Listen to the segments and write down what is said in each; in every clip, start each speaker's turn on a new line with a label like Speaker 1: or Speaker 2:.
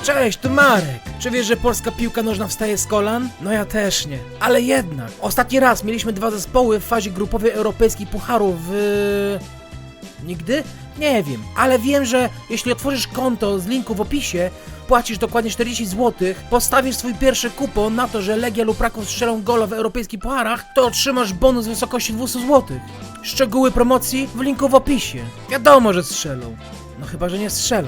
Speaker 1: Cześć, tu Marek. Czy wiesz, że polska piłka nożna wstaje z kolan? No ja też nie. Ale jednak, ostatni raz mieliśmy 2 zespoły w fazie grupowej europejskich pucharów Nigdy? Nie wiem, ale wiem, że jeśli otworzysz konto z linku w opisie, płacisz dokładnie 40 zł, postawisz swój pierwszy kupon na to, że Legia lub Raków strzelą gola w europejskich pucharach, to otrzymasz bonus w wysokości 200 zł. Szczegóły promocji w linku w opisie. Wiadomo, że strzelą. No chyba, że nie strzelą.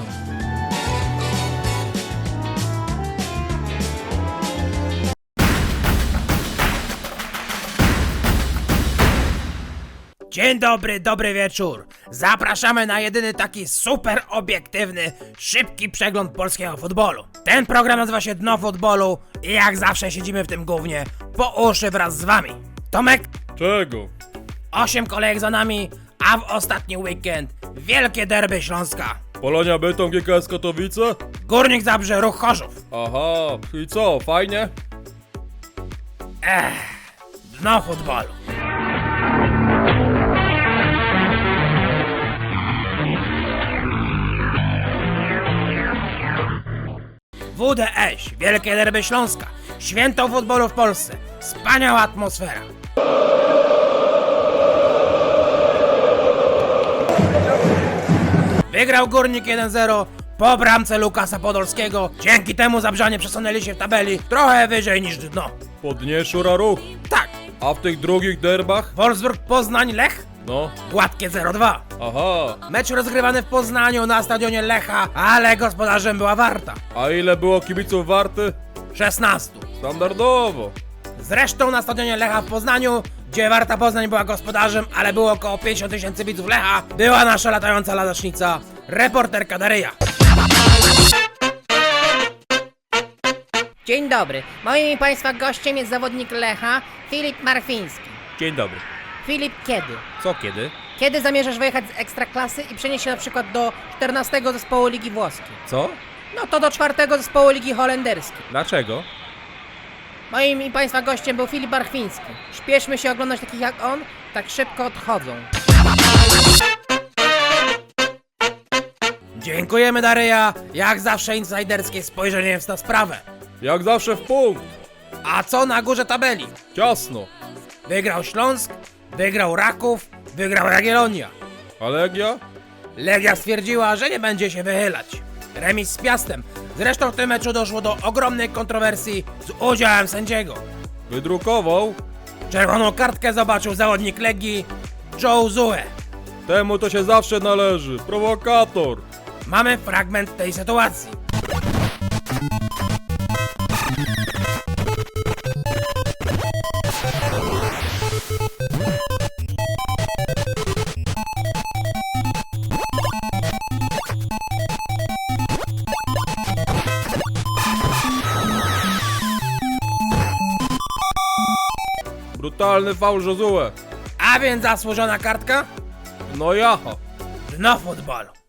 Speaker 1: Dzień dobry, dobry wieczór. Zapraszamy na jedyny taki super obiektywny, szybki przegląd polskiego futbolu. Ten program nazywa się Dno Futbolu i jak zawsze siedzimy w tym gównie po uszy wraz z wami. Tomek,
Speaker 2: Czego?
Speaker 1: 8 kolejek za nami, a w ostatni weekend wielkie derby Śląska.
Speaker 2: Polonia Bytom, GKS Katowice?
Speaker 1: Górnik Zabrze, Ruch Chorzów.
Speaker 2: Aha, i co, fajnie?
Speaker 1: Dno Futbolu. WDŚ, wielkie derby Śląska, święto futbolu w Polsce, wspaniała atmosfera. Wygrał Górnik 1-0 po bramce Lukasa Podolskiego, dzięki temu Zabrzanie przesunęli się w tabeli trochę wyżej niż dno.
Speaker 2: Podnie Szura Ruch.
Speaker 1: Tak,
Speaker 2: A w tych drugich derbach?
Speaker 1: Wolfsburg Poznań Lech,
Speaker 2: No,
Speaker 1: gładkie 0-2.
Speaker 2: aha.
Speaker 1: Mecz rozgrywany w Poznaniu na stadionie Lecha, ale gospodarzem była Warta.
Speaker 2: A ile było kibiców Warty?
Speaker 1: 16.
Speaker 2: Standardowo.
Speaker 1: Zresztą na stadionie Lecha w Poznaniu, gdzie Warta Poznań była gospodarzem, ale było około 50 000 widzów Lecha, była nasza latająca ladacznica, reporterka Daryja.
Speaker 3: Dzień dobry. Moim i Państwa gościem jest zawodnik Lecha, Filip Marfiński.
Speaker 2: Dzień dobry.
Speaker 3: Filip, kiedy?
Speaker 2: Co kiedy?
Speaker 3: Kiedy zamierzasz wyjechać z Ekstraklasy i przenieść się na przykład do 14 zespołu Ligi Włoskiej?
Speaker 2: Co?
Speaker 3: No to do 4 zespołu Ligi Holenderskiej.
Speaker 2: Dlaczego?
Speaker 3: Moim i Państwa gościem był Filip Marfiński. Śpieszmy się oglądać takich jak on, tak szybko odchodzą.
Speaker 1: Dziękujemy Daryja, jak zawsze insajderskie spojrzenie na sprawę.
Speaker 2: Jak zawsze w punkt.
Speaker 1: A co na górze tabeli?
Speaker 2: Ciasno.
Speaker 1: Wygrał Śląsk, wygrał Raków, wygrał Jagiellonia.
Speaker 2: A Legia?
Speaker 1: Legia stwierdziła, że nie będzie się wychylać. Remis z Piastem. Zresztą w tym meczu doszło do ogromnej kontrowersji z udziałem sędziego.
Speaker 2: Wydrukował?
Speaker 1: Czerwoną kartkę zobaczył zawodnik Legii Joe Zue.
Speaker 2: Temu to się zawsze należy. Prowokator.
Speaker 1: Mamy fragment tej sytuacji.
Speaker 2: Brutalny faul Josue.
Speaker 1: A więc zasłużona kartka?
Speaker 2: No jaha.
Speaker 1: Dno futbolu.